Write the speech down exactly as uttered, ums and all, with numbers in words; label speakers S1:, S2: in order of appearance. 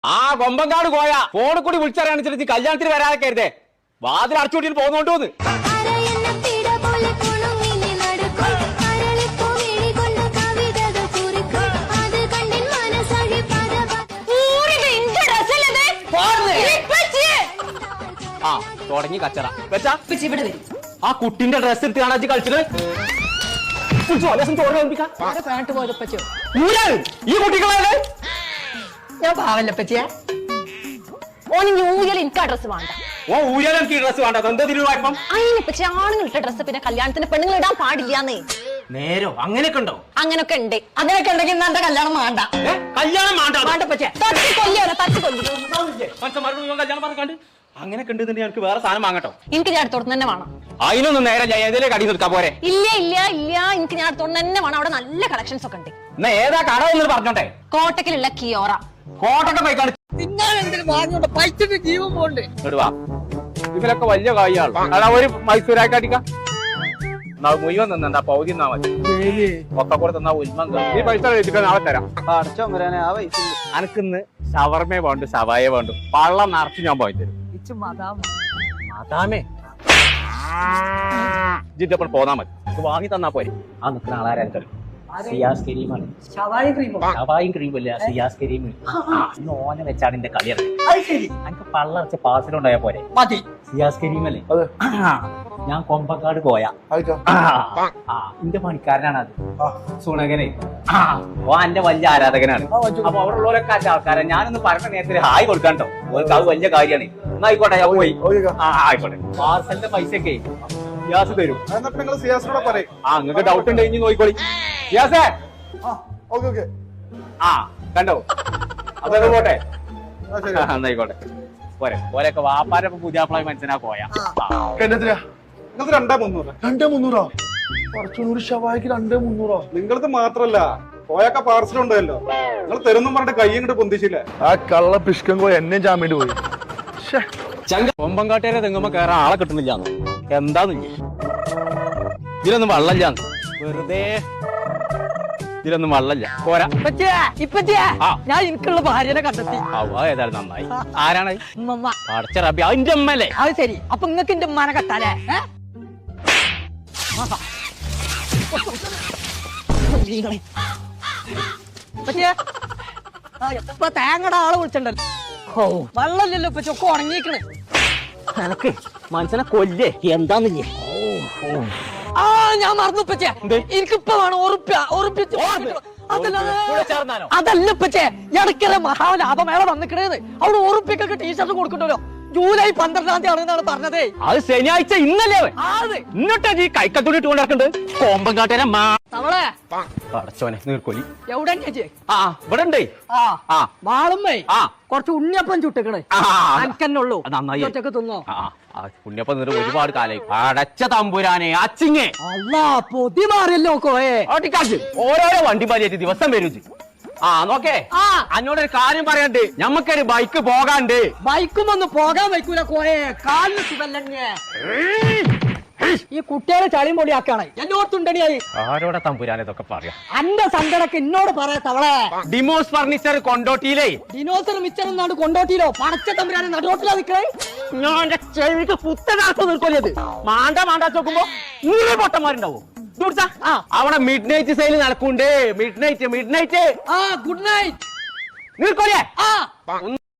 S1: ആ കൊമ്പങ്കാട് പോയ ഫോണിൽ കൂടി വിളിച്ചറിയാണിച്ചിട്ട് കല്യാണത്തിന് വരാതെ കരുതേ വാതിൽ അടച്ചുകൂട്ടിട്ട് പോകുന്നോണ്ടോന്ന് ആ തുടങ്ങി കച്ചറ വെച്ചാ ആ കുട്ടിന്റെ ഡ്രസ് എടുത്ത് കാണാൻ കളിച്ചത് ഈ കുട്ടികളെ
S2: ഞാൻ പാവല്ലപ്പച്ചിയ ഓന് ന്യൂഇയർ എനിക്ക് ആ ഡ്രസ് വേണ്ട.
S1: ഓ ഊരാൻ എനിക്ക് ഡ്രസ് വേണ്ട. എന്താ തിരുവായ്പം?
S2: അതിനെപ്പറ്റി ആണുങ്ങൾ ഇട്ട ഡ്രസ് പിന്നെ കല്യാണത്തിന് പെണ്ണുങ്ങൾ ഇടാൻ പാടില്ലാന്നേ.
S1: നേരോ അങ്ങനെയൊക്കെ ഉണ്ടോ?
S2: അങ്ങനൊക്കെ ഉണ്ട്. അങ്ങനെയൊക്കെ ഉണ്ടെങ്കിൽ ഇന്ന് എന്റെ കല്യാണം വേണ്ട.
S1: കല്യാണം വേണ്ട
S2: വേണ്ടപ്പച്ചിയ തട്ടി കൊല്ലിയോ തട്ടി കൊല്ലി
S1: കല്യാണം പറഞ്ഞാണ്ട് അങ്ങനെയൊക്കെ ഉണ്ട്. എനിക്ക് വേറെ സാധനം വാങ്ങട്ടോ.
S2: എനിക്ക് ഞാൻ അടുത്തോട്ട് തന്നെ വേണം.
S1: അതിനൊന്നും നേരെ ഏതിലേ കടി നിർത്താൻ പോരെ?
S2: ഇല്ല ഇല്ല ഇല്ല എനിക്ക് ഞാൻ അടുത്തോട്ട് തന്നെ വേണം. അവിടെ നല്ല കളക്ഷൻസ് ഒക്കെ ഉണ്ട്.
S1: എന്നാ ഏതാ കട എന്ന് പറഞ്ഞോട്ടെ.
S2: കോട്ടക്കിലുള്ള കിയോറ
S1: കോട്ടൊക്കെ പോയിക്കാണ്
S3: ജീവൻ പോണ്ടേ
S1: ഇതിലൊക്കെ വലിയ കായാണ്. അതാ ഒരു മൈസൂരാക്കി അടിക്കാം മുഴുവൻ നിന്നാ പൗതി തന്നാ മതി. ഒക്കെ കൂടെ തന്നാ ഉൽമം ഈ പൈസ കഴിച്ചിട്ട് നാളെ തരാം. അനക്കിന്ന് ഷവർമേ വേണ്ടു സവായ വേണ്ടു പള്ളം നിറച്ച് ഞാൻ പോയി തരും. അതാമേ ജിറ്റപ്പോൾ പോന്നാ മതി. വാങ്ങി തന്നാ പോരെ. ആ നിൽക്കുന്ന ആളാരും തരും. സിയാസ് കരീമാണ്. ഷവായും ക്രീമല്ല സിയാസ് കരീം. ഓനെ വെച്ചാണ് എന്റെ കളിയാണ്. എനിക്ക് പള്ളറച്ച പാസിലുണ്ടായ പോരെ. സിയാസ് കരീമല്ലേ ഞാൻ കൊമ്പക്കാട് പോയ എന്റെ പണിക്കാരനാണ്. അത് സുണകനെ ഓ എന്റെ വലിയ ആരാധകനാണ്. അപ്പൊ അവിടെ ഉള്ളവരൊക്കെ അഞ്ച ആൾക്കാരെ ഞാനൊന്ന് പറഞ്ഞ നേരത്തിൽ ഹായ് കൊടുക്കാൻ കേട്ടോ. ഓർക്ക് അത് വലിയ കാര്യമാണ്. എന്നാ ആയിക്കോട്ടെ ഞാൻ പോയി. ആ ആയിക്കോട്ടെ. പാർസലിന്റെ പൈസയൊക്കെ സിയാസ് തരും. ആ നിങ്ങക്ക് ഡൗട്ട് ഉണ്ട് ഇനി നോക്കിക്കോളി. സിയാസേ ആ കണ്ടോ അതൊക്കെ പോട്ടെ. എന്നായിക്കോട്ടെ പോരെ. പോരൊക്കെ വാപ്പാരൊക്കെ പുതിയാപ്പിളായി മനസ്സിനാ പോയാ
S4: രണ്ടേ മുന്നൂറ് രണ്ടേ മുന്നൂറോ കുറച്ചുകൂടി ഷവായിക്ക് രണ്ടേ മുന്നൂറോ? നിങ്ങളത് മാത്രല്ല പോയൊക്കെ പാർസൽ ഉണ്ടല്ലോ. നിങ്ങൾ തരുന്നും പറഞ്ഞിട്ട് കൈ ഇങ്ങോട്ട് പൊന്തിച്ചില്ല. ആ കള്ള പിഷ്കങ്കോ എന്നെ ജാമ്യം പോയി.
S1: കൊമ്പങ്കാട്ടേരെ തെങ്ങുമ്പോ കയറാൻ ആളെ കിട്ടുന്നില്ലാന്ന്. എന്താന്നില്ല ഇതിലൊന്നും വള്ളല്ലാന്ന്. വെറുതെ ഇതിലൊന്നും വള്ളല്ല പോരാ.
S2: ഞാൻ എനിക്കുള്ള ഭാര്യനെ കണ്ടെത്തി.
S1: ഏതായാലും നന്നായി. ആരാണ്? അടച്ച റബി അതിന്റെ അമ്മല്ലേ?
S2: അത് ശരി. അപ്പൊ നിങ്ങക്ക് എന്റെ ഉമ്മാനെ കത്താലേ? ഇപ്പൊ തേങ്ങയുടെ ആളെ വിളിച്ചിട്ടുണ്ടല്ലോ. വെള്ളമില്ലല്ലോ ഇപ്പൊ ചൊക്കെ ഉണങ്ങിക്കണ്.
S1: എനക്ക് മനസ്സിനെ കൊല്ലേ എന്താന്നില്ലേ?
S2: ആ ഞാൻ മറന്നു പച്ചേ. എനിക്കിപ്പോ വേണം ഉറുപ്പ്യ ഉറുപ്പ്യ അതല്ല പച്ചേ. ഇടയ്ക്കര മഹാലാഭമേള വന്നിക്കണേന്ന് അവിടെ ഉറുപ്പ്യക്കൊക്കെ ടീഷർട്ട് കൊടുക്കണ്ടല്ലോ. ജൂലൈ പന്ത്രണ്ടാം തീയതി ആണെന്നാണ് പറഞ്ഞത്.
S1: അത് ശനിയാഴ്ച ഇന്നല്ലേ? ഇന്നോട്ടാ ഈ കൈക്കത്തൂടി ഇട്ട് കൊണ്ടിറക്കുന്നുണ്ട്. കോമ്പങ്കാട്ടേനെ
S2: തവളെ
S1: അടച്ചോനെ നീർക്കോലി
S2: എവിടെ
S1: ആ ഇവിടെ ഉണ്ട്.
S2: ആ വാളുമ്മേ ആ കുറച്ച് ഉണ്ണിയപ്പം ചുട്ടിക്കണേ. അനക്കന്നുള്ളൂ.
S1: നന്നായി
S2: തിന്നോ.
S1: ഉണ്ണിയപ്പം നീർ ഒരുപാട് കാലായി. അടച്ച തമ്പുരാനെ അച്ചിങ്ങേ
S2: അല്ലാ പൊതി മാറിയല്ലോ കോയെ.
S1: ഓരോരോ വണ്ടി പാലിയേറ്റ് ദിവസം വരും. ആ നോക്കേ അന്നോടൊരു കാര്യം പറയണ്ട്. ഞമ്മക്കൊരു ബൈക്ക് പോകാണ്ട്.
S2: ബൈക്കും ഒന്ന് പോകാൻ വയ്ക്കൂല കോയെ. കാലിന് സുഖല്ലേ. ഈ കുട്ടികളെ ചളിയും പൊളിയാക്കാണ് എന്നോർത്തുണ്ടണിയായി.
S1: ആരോടെ തമ്പുരാൻ ഇതൊക്കെ പറയാം.
S2: അന്റെ സങ്കടക്ക് എന്നോട് പറയാ തവളെ.
S1: ഡിമോസ് ഫർണിച്ചർ കൊണ്ടോട്ടിയിലേ.
S2: ഡിനോസർ മിച്ചർ എന്നാണ് കൊണ്ടോട്ടിയിലോ. പടച്ച തമ്പുരാനെ നടുറോട്ടിലാ നിൽക്കണേ.
S1: ഞാൻ ചെവിക്ക് പുത്തനാർത്ത് നിൽക്കൊല്ലത്. മാണ്ട മാണ്ടാ നോക്കുമ്പോ നൂറ് പൊട്ടന്മാരുണ്ടാവോ? അവിടെ മിഡ് നൈറ്റ് സെയിൽ നടക്കുന്നുണ്ട്. മിഡ് നൈറ്റ് മിഡ് നൈറ്റ്
S2: ആ ഗുഡ് നൈറ്റ്
S1: നിൽക്കൊല്ലേ.